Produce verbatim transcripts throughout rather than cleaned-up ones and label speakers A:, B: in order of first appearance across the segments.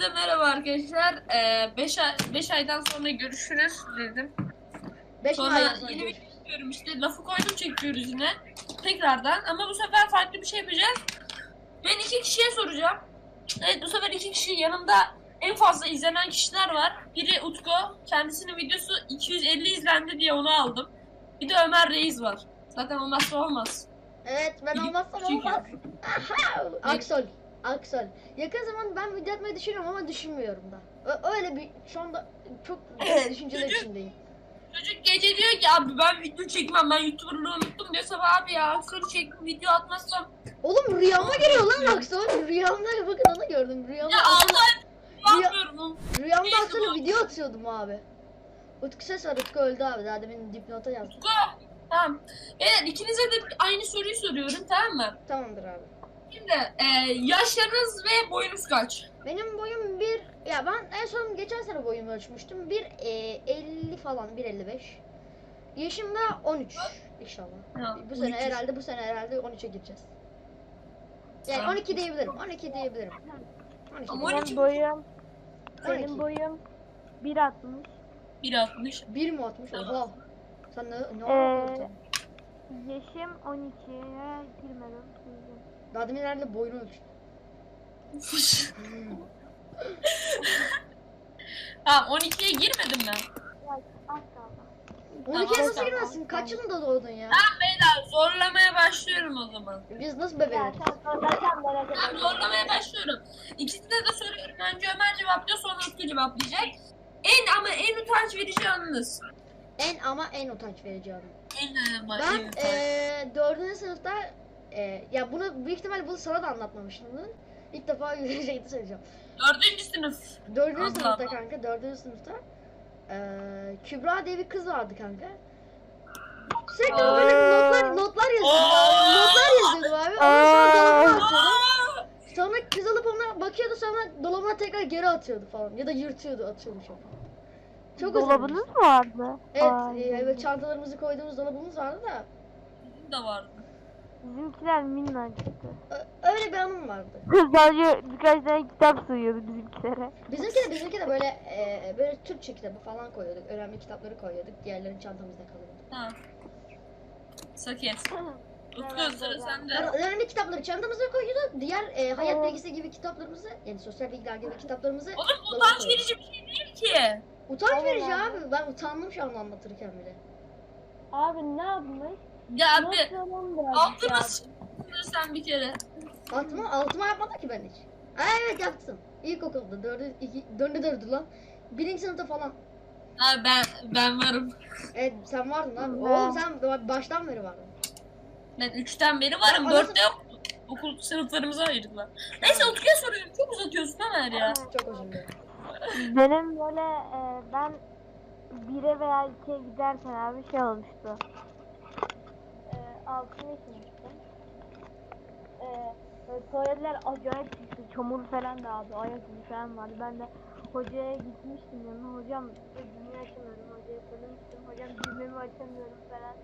A: Herkese merhaba arkadaşlar. beş ay, beş aydan sonra görüşürüz dedim.
B: beş
A: Sonra
B: aydan
A: yeni
B: sonra
A: bir
B: görüşürüz.
A: video çekiyorum işte. Lafı koydum, çekiyoruz yine. Tekrardan ama bu sefer farklı bir şey yapacağız. Ben iki kişiye soracağım. Evet, bu sefer iki kişi, yanımda en fazla izlenen kişiler var. Biri Utku. Kendisinin videosu iki yüz elli izlendi diye onu aldım. Bir de Ömer Reis var. Zaten olmazsa olmaz.
B: Evet, ben
A: İyi,
B: olmazsam
A: çünkü-
B: olmaz. Aha! Aksol. Aksol. Yakın zaman ben video atmayı düşünüyorum ama düşünmüyorum da. Ö- öyle bir şu anda çok
A: Evet,
B: düşünceler
A: çocuk-
B: içindeyim.
A: Çocuk gece diyor ki abi ben video çekmem, ben YouTuber'lığı unuttum diyor. Sabah abi ya soru çektim, video atmazsam.
B: Oğlum rüyama geliyor lan Aksol. Rüyamda bakın onu gördüm. Rüyamda
A: Ya
B: Aksol'a-
A: Allah
B: Rüya-
A: yapmıyorum oğlum.
B: rüyamda
A: Neyse,
B: Aksol'a
A: bu-
B: video atıyordum abi. Utku ses var. Utku öldü abi. Daha demin dipnota yazdım.
A: Utku. Tamam. Evet, ikinize de aynı soruyu soruyorum, tamam mı?
B: Tamamdır abi.
A: Şimdi e, yaşlarınız ve boyunuz kaç?
B: Benim boyum bir, ya ben en son geçen sene boyumu ölçmüştüm. bir e, elli falan, bir elli beş. Yaşım da on üç inşallah.
A: Ha,
B: Bu
A: on
B: sene
A: iki.
B: herhalde bu sene herhalde on üçe gireceğiz. Yani
A: Tamam.
B: on iki diyebilirim. on iki diyebilirim. on iki
A: Ama
B: diyebilirim.
A: on iki.
C: Benim boyum,
B: on iki.
C: benim boyum bir altmış.
A: bir altmış.
B: bir mi atmış? Oha. Sen ne ne
C: Ee,
B: yapıyorsun?
C: Yaşım on ikiye girmedim. girdim.
B: Daha demin herhalde boyunu ölçtüm.
A: Tamam, on ikiye girmedim ben.
C: Ya, az kaldı.
B: on ikiye
A: Tamam,
B: nasıl
A: tamam.
B: girmezsin? Kaç yılında doğdun ya?
A: Tamam beyler, zorlamaya başlıyorum o zaman.
B: Biz nasıl
C: Ya
B: bebeğiz?
C: sen sorarsan merak
A: Tamam,
C: etme.
A: zorlamaya başlıyorum. İkisine de soruyorum. Önce Ömer cevaplıyor, sonra Utku cevaplayacak. En ama en utanç verici anınız.
B: En ama en utanç verici anı.
A: En ama en
B: Ben
A: utanç.
B: eee dördüncü sınıfta eee ya bunu büyük ihtimal bunu sana da anlatmamıştım. İlk defa şeyde söyleyeceğim.
A: Dördüncü sınıf.
B: Dördüncü
A: Allah
B: sınıfta
A: Allah.
B: kanka, dördüncü sınıfta eee Kübra diye bir kız vardı kanka. Sürekli
A: Aa.
B: böyle notlar notlar yazıyordu.
A: Aa.
B: Notlar yazıyordu abi. Ondan sonra dolabına atıyordu.
A: Aa!
B: Sonra kız alıp ona bakıyordu, sonra dolabına tekrar geri atıyordu falan. Ya da yırtıyordu, atıyordu çok. Çok
C: Dolabınız
B: özenmiştim.
C: mı vardı?
B: Evet,
C: Ay,
B: e, evet, çantalarımızı koyduğumuz dolabımız vardı da
A: Bizim de vardı.
C: Bizimkiler minnacıktı.
B: ö- öyle bir anım vardı.
C: Sadece birkaç tane kitap sığıyordu bizimkilere.
B: Bizimki de bizimki de böyle e, böyle Türkçe kitabı falan koyuyorduk. Önemli kitapları koyuyorduk. Diğerlerini çantamızda kalıyordu.
A: Ha. Saket. Utku,
C: Evet,
A: sıra
C: evet.
A: sende.
B: Yani önemli kitapları çantamıza koyuyorduk. Diğer e, hayat bilgisi gibi kitaplarımızı, yani sosyal bilgiler gibi kitaplarımızı
A: Oğlum
B: dolaba
A: utanç
B: koyuyorduk.
A: verici bir şey değil ki.
B: Utanç
C: Tamam
B: verici
C: abi.
B: abi. Ben utandım şu an anlatırken bile.
C: Abi ne yapmış?
A: Ya abi
C: Not
A: altıma s**tın sen bir kere.
B: Altıma, altıma yapmadım ki ben hiç. Ha, evet yaptım. İlkokulda dördü, iki, dördü dördü lan. Birinci sınıfta falan.
A: Ha, ben ben varım.
B: Evet, sen vardın abi.
C: Ben-
B: Oğlum sen baştan beri vardın.
A: Ben üçten beri varım.
B: Ya,
A: Dörtte yok. Okul sınıflarımıza ayırdılar. Neyse, Utku'ya soruyorum. Çok uzatıyorsun Ömer ya.
B: Çok özür dilerim.
C: Benim böyle e, ben bire veya ikiye giderken abi şey olmuştu. E, altıncı sınıftım. E, e, tuvaletler acayip pisdi. Çamur falan da abi. Ayak izi falan vardı. Ben de hocaya gitmiştim yanına. Hocam e, düğmeyi açamıyorum. Hocaya söylemiştim. Hocam düğmemi açamıyorum falan.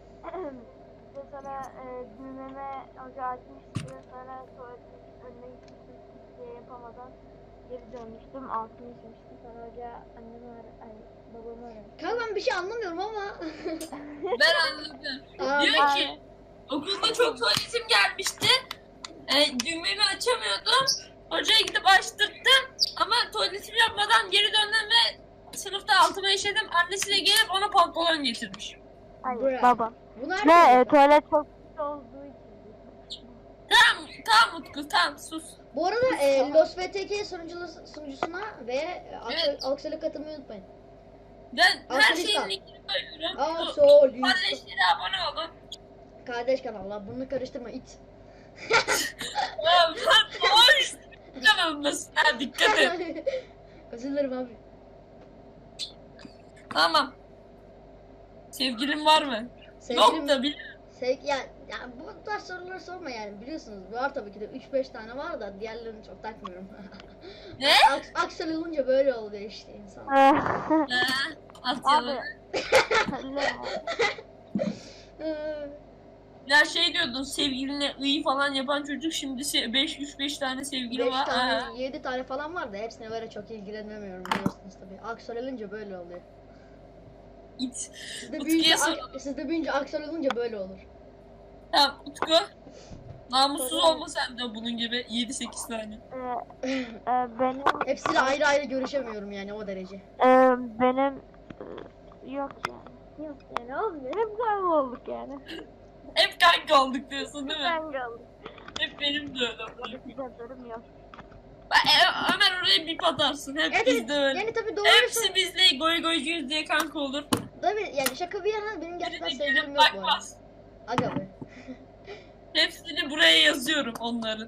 C: Ve sonra e, düğmeme hoca açmıştı. Sonra tuvaletin önüne gitmiştim. Hiçbir şey yapamadan geri dönmüştüm. Altını içmiştim. Sonra hoca annemi ara, ay babamı aradı.
B: Kanka ben bir şey anlamıyorum ama.
A: Ben anladım.
B: Aa,
A: Diyor ki okulda çok tuvaletim gelmişti. E, düğmemi açamıyordum. Hocaya gidip açtırttım. Ama tuvaletimi yapmadan geri döndüm ve sınıfta altıma işedim. Annesi de gelip ona pantolon getirmiş.
C: Hayır
B: Bırak.
C: baba.
B: Bunlar
C: Ne
B: ne?
C: e, tuvalet çok pis olduğu için.
A: Tamam, tamam Utku, tamam sus.
B: Bu arada e, Los V T K sunucusu, sunucusuna ve e,
A: Evet.
B: Aksel'e katılmayı unutmayın.
A: Ben her
B: Arkadaşlar.
A: şeyin linkini koyuyorum. Bu
B: Aksel'in
A: kardeşlere abone olun.
B: kardeş kanallar, bunu karıştırma it.
A: Ya ben doğru kanalındasın. Ha, dikkat et.
B: Özür dilerim abi.
A: Tamam. Sevgilin var mı?
B: Sevgilim,
A: Yok da biliyorum.
B: sev, ya, ya bu tarz soruları sorma yani, biliyorsunuz. Var tabii ki de üç beş tane var da diğerlerini çok takmıyorum.
A: Ne?
B: Aks, Aksel olunca böyle oluyor işte insan.
A: Ha, at
C: Abi.
A: yalanı.
C: Ne?
B: Ee,
A: Ya şey diyordun, sevgiline iyi falan yapan çocuk şimdi beş üç beş tane sevgili
B: beş
A: var.
B: tane,
A: Ha.
B: yedi tane falan var da hepsine böyle çok ilgilenemiyorum biliyorsunuz tabii. Aksor olunca böyle oluyor.
A: İt.
B: Sizde
A: Utku'ya
B: büyüyünce,
A: soralım.
B: ak- sizde büyüyünce aksor olunca böyle olur.
A: Tamam Utku. Namussuz
C: Soralım.
A: olma sen de bunun gibi yedi sekiz tane.
C: Ee, e, benim
B: Hepsiyle ayrı ayrı görüşemiyorum yani o derece.
C: e, benim e, yok yani. Yok yani olmuyor. Hep kanka olduk yani.
A: Hep kanka olduk diyorsun değil mi?
C: Kanka olduk.
A: Hep benim de öyle.
C: Güzel durum yok.
A: Ben, e, Ömer oraya bir atarsın. Hep
B: Evet,
A: bizde öyle.
B: yani tabii doğru
A: Hepsi bizle goy goycuyuz diye kanka olur.
B: Tabii yani şaka bir yana benim gerçekten
A: Birine
B: sevgilim
A: gelip
B: yok bu arada.
A: bakmaz.
B: Aga be.
A: Hepsini buraya yazıyorum onların.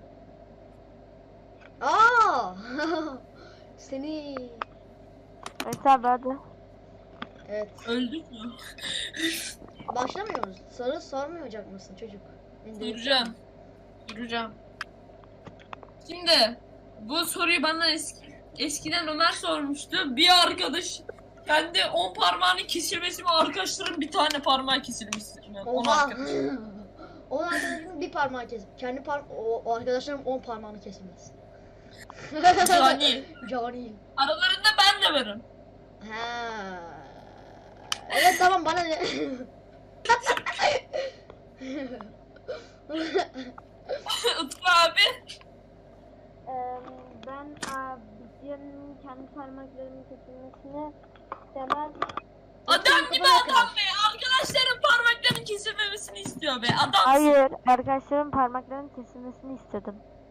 B: Aa! Seni.
C: Mesela hadi.
B: Evet.
A: Öldük mü?
B: Başlamıyoruz. Soru sormayacak mısın çocuk? Beni de-
A: Duracağım. Duracağım. Şimdi bu soruyu bana eski, eskiden Ömer sormuştu. Bir arkadaş kendi on parmağını kesilmesi mi, arkadaşların bir tane parmağı kesilmiştir. Yani on
B: Oha!
A: arkadaş.
B: O arkadaşımın bir parmağı kesip kendi par o, o arkadaşlarım on parmağını kesilmez.
A: Cani.
B: Cani.
A: Aralarında ben de varım.
B: Ha. Evet tamam bana ne?
A: Utku abi.
C: Ee, ben abicim kendi parmaklarımın kesilmesini istemez.
A: Adam gibi adam be. Arkadaşların parmaklarının kesilmemesini istiyor be. Adam.
C: Hayır, arkadaşlarım parmaklarının kesilmesini istedim.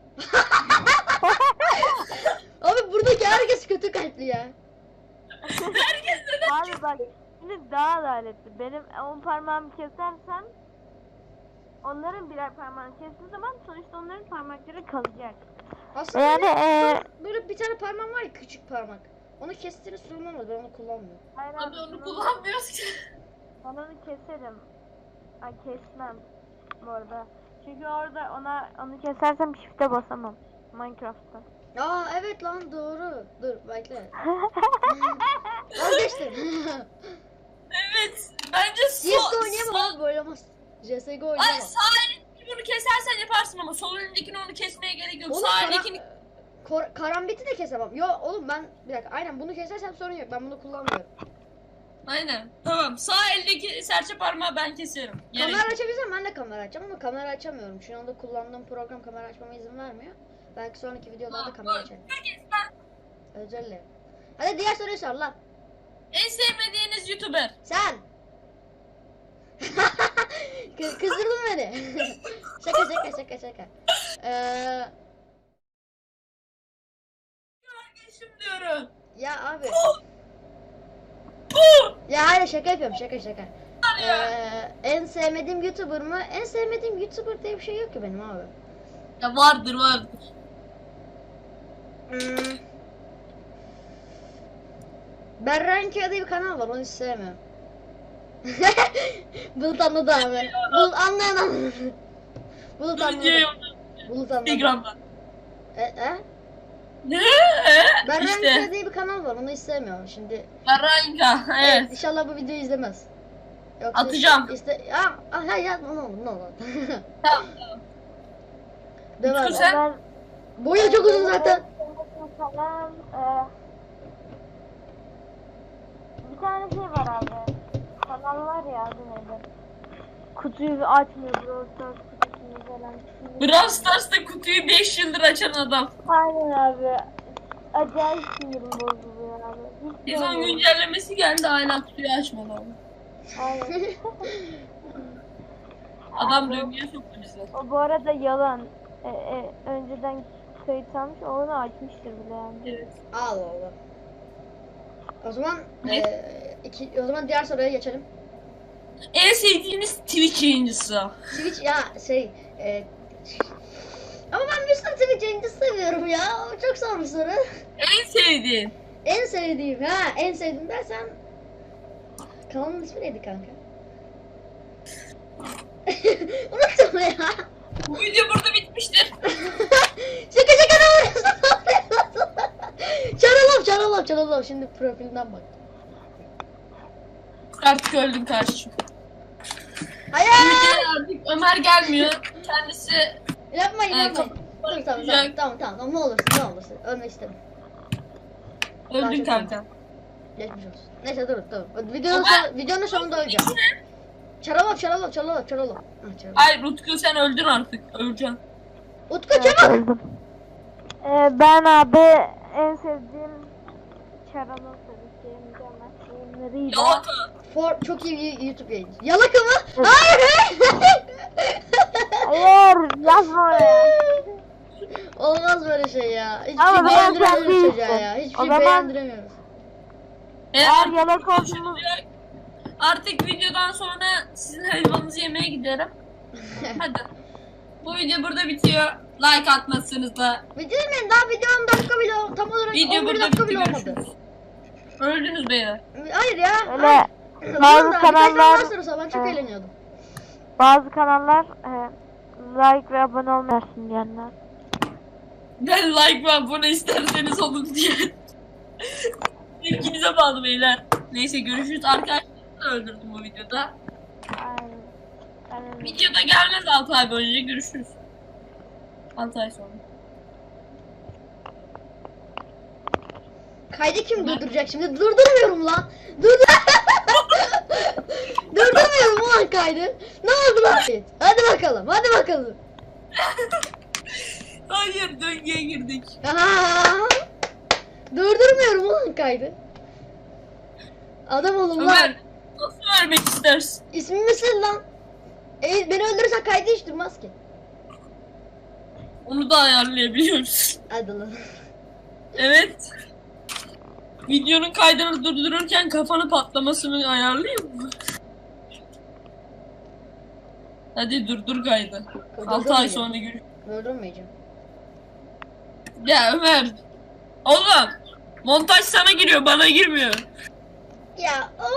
B: Abi buradaki herkes kötü kalpli ya.
A: Herkes neden?
C: Abi bak, şimdi daha adaletli. Benim on parmağımı kesersem onların birer parmağını kestiği zaman sonuçta onların parmakları kalacak.
B: Aslında
C: Yani
B: benim
C: eee
B: böyle bir tane parmağım var ya küçük parmak. Onu kestiğini sorun olmaz ben onu kullanmıyorum.
C: hayır
A: Abi
C: abi,
A: onu
C: bunu-
A: kullanmıyoruz ki.
C: ben onu keserim. Ay kesmem bu arada. Çünkü orada ona onu kesersem shift'e basamam Minecraft'ta.
B: Aa evet lan doğru. Dur bekle. Vazgeçtim.
A: Evet. Bence
B: C S G O
A: sol.
B: oynayamam abi böyle olmaz. C S G O
A: Ay
B: oynayamam.
A: sağ elindeki bunu kesersen yaparsın ama sol elindekini onu kesmeye gerek yok.
B: Oğlum,
A: Sağ
B: kara-
A: elindekini...
B: Kor- karambiti de kesemem. Yo oğlum ben bir dakika aynen bunu kesersem sorun yok. Ben bunu kullanmıyorum.
A: Aynen. Tamam. Sağ eldeki serçe parmağı ben keserim. Gerek
B: Kamera
A: yok.
B: açabilirsem ben de kamera açacağım ama kamera açamıyorum. Şu anda kullandığım program kamera açmama izin vermiyor. Belki sonraki videolarda kamera açarım.
A: Herkes ben.
B: Özür dilerim. Hadi diğer soruyu sor lan.
A: En sevmediğiniz YouTuber.
B: Sen. Kı- kızdırdın beni. şaka şaka şaka şaka. Ee,
A: Kardeşim diyorum.
B: ya abi.
A: Puh!
B: Ya hayır şaka yapıyorum şaka şaka.
A: Ya.
B: Ee, en sevmediğim YouTuber mı? En sevmediğim YouTuber diye bir şey yok ki benim abi.
A: Ya vardır vardır.
B: Hmm. Berranki diye bir kanal var onu hiç sevmiyorum. Bulut anladı abi. Bulut anlayan anladı. Bulut
A: Bu videoyu
B: anladı. Bulut anladı.
A: Instagram'dan.
B: E, e?
A: Ne?
B: Berranki
A: İşte.
B: diye bir kanal var onu hiç sevmiyorum şimdi.
A: Baranka. Evet.
B: İnşallah bu videoyu izlemez. Yoksa
A: Atacağım.
B: Iste, ya, ah, hayır ya, ne olur ne olur.
A: Tamam tamam.
B: Döver.
A: Utku sen-
C: Ben
B: Boyu çok uzun zaten.
C: Falan, eee, bir tane şey var abi. Kanal var ya adı neydi? Kutuyu açmıyor Brawl Stars kutusunu falan.
A: Brawl Stars'ta kutuyu beş yıldır açan adam.
C: Aynen abi. Acayip sinirim bozuluyor abi. Hiç
A: Sezon
C: sevmiyorum.
A: güncellemesi geldi hala kutuyu açmadı abi.
C: Aynen.
A: Adam döngüye soktu bizi.
C: O bu arada yalan. E, e, önceden kayıt almış, onu açmıştır bile yani.
A: Evet.
B: Allah Allah. O zaman
A: Ne?
B: eee, iki, o zaman diğer soruya geçelim.
A: En sevdiğiniz Twitch yayıncısı.
B: Twitch ya şey eee ama ben bir sürü Twitch yayıncı seviyorum ya. O çok zor bir soru.
A: En sevdiğin.
B: En sevdiğim ha en sevdiğim dersen kanalın ismi neydi kanka? Unuttum ya.
A: Bu video burada bitmiştir.
B: şaka şaka ne yapıyorsun? Çaralım çaralım çaralım şimdi profilinden bak.
A: Artık öldüm kardeşim.
B: Hayır.
A: Ülkeye artık Ömer gelmiyor. Kendisi
B: Yapmayın
A: e,
B: yapmayın.
A: kapı-
B: Dur tamam tamam tamam tamam tamam ne olursun ne olursun. Ölmek istemem.
A: öldün
B: çok
A: kanka.
B: Geçmiş olsun. Neyse dur dur. Videonun,
A: Ama-
B: son, videonun sonunda öleceğim. Çaralov çaralov çaralov çaralov. Ha, çaralov.
A: Hayır Utku sen öldün artık. Öleceksin.
B: Utku
C: Evet,
B: çabuk.
C: öldüm. Ee, ben abi en sevdiğim Çaralov tabii ki mükemmel yayınlarıyla.
A: Yalaka.
B: For, çok iyi bir YouTube yayını. Yalaka mı? Hayır.
C: Hayır yazma oraya.
B: Olmaz böyle şey ya. Hiçbir
C: Ama
B: şey
C: ben sen
B: beğendiremiyoruz
C: değilsin.
B: çocuğa ya. Hiçbir
C: O
B: şey
C: zaman-
B: beğendiremiyoruz.
A: E,
C: Eğer
A: artık,
C: yalak olduğunu
A: artık videodan sonra sizin helvanızı yemeye giderim. Hadi. Bu video burada bitiyor. Like atmazsanız da
B: Video demeyin daha video on dakika bile tam olarak
A: video
B: on bir
A: burada
B: dakika
A: bitti.
B: bile olmadı.
A: Görüşürüz. Öldünüz beyler.
B: Hayır ya.
C: öyle
B: Hayır.
C: bazı
B: Dur da, birkaç
C: kanallar-
B: daha sorarsa ben çok
C: Evet.
B: eğleniyordum.
C: bazı kanallar e, like ve abone olmasın diyenler.
A: Ben like ve abone isterseniz olun diye. İlginize bağlı beyler. Neyse görüşürüz. Arkadaşlarımı da öldürdüm bu videoda.
C: Aynen. Aynen.
A: Videoda gelmez altı ay boyunca görüşürüz. altı ay sonra.
B: Kaydı kim durduracak şimdi? Durdurmuyorum lan. Durdur. Durdurmuyorum ulan kaydı. Ne oldu lan? Hadi bakalım. Hadi bakalım.
A: Hayır döngüye girdik.
B: Aha. Durdurmuyorum ulan kaydı. Adam olun lan.
A: Ömer nasıl vermek istersin?
B: İsmin misin lan? E, beni öldürürsen kaydı hiç durmaz ki.
A: Onu da ayarlayabiliyoruz.
B: Hadi lan.
A: Evet. Videonun kaydını durdururken kafanı patlamasını ayarlayayım mı? Hadi durdur kaydı. altı ay sonra görüşürüz.
B: Durdurmayacağım.
A: Ya Ömer. Oğlum. Montaj sana giriyor bana girmiyor.
B: Ya of.